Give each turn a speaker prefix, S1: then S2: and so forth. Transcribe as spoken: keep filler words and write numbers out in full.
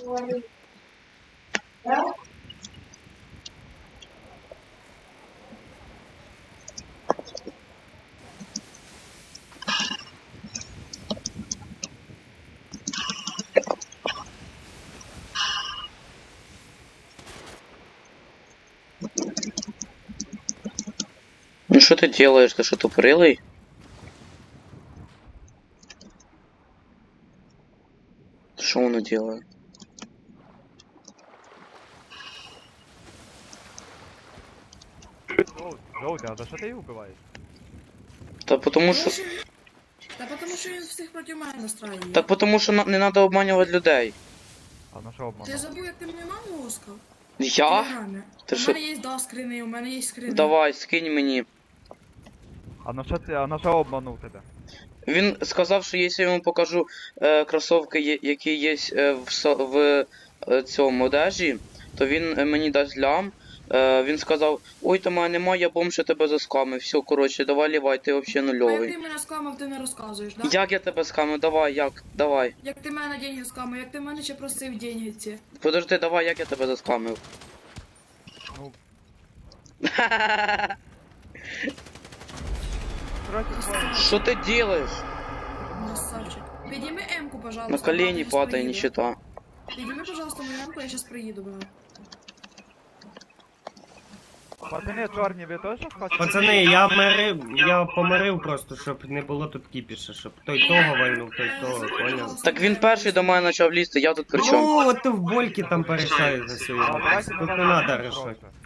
S1: Ну что ты делаешь? Ты что, тупорылый? Что он делает?
S2: Жоутя, а за що ти їх вбиваєш?
S1: Да потому
S3: Тому
S1: что...
S3: що він- Та потому що він всіх проти мене настраює.
S1: Так потому что на- не надо обманывать людей.
S2: А на що
S3: Ти
S2: обманув?
S3: забув, як ти мою маму лоскав?
S1: Я? Ти
S3: У
S1: що?
S3: мене є да скрини, у мене є скрини.
S1: Давай, скинь мені.
S2: А на що ти, а на що обманув тебе?
S1: Він сказав, що якщо я йому покажу е, кросовки, є- які є е, в, со- в е, цьому одежі, то він е, мені дасть лям. Е, він сказав, ой, та мене немає, я бомж, я тебе заскамив. Все, коротше, давай лівай, ти взагалі
S3: А як
S1: нульовий.
S3: ти мене скамив, ти не розказуєш, да?
S1: Як я тебе скамив? Давай, як? Давай.
S3: Як ти мене деньги скамив, як ти мене ще просив деньги ці.
S1: Подожди, давай, як я тебе заскамив?
S2: Ну, коротше, твоє.
S1: Що ти робиш?
S3: Красавчик. Підійми М-ку, пожалуйста.
S1: На колені
S3: брат, я щас
S1: падай,
S3: приїду.
S1: нищета.
S3: Підійми, пожалуйста, мою М-ку, я сейчас приїду, брат.
S2: Пацани, чорні, ви теж хочете?
S4: Пацани, я мирив, я помирив просто, щоб не було тут кіпіша, щоб той того вальнув, той того, поняв?
S1: Так він перший до мене почав лізти, я тут при чому?
S4: Ну, от ти в больки там порішаєш за свою.
S2: А, давайте
S4: Тут
S2: мене
S4: не
S2: на
S4: надо
S2: мене
S4: рішати.
S2: трохи.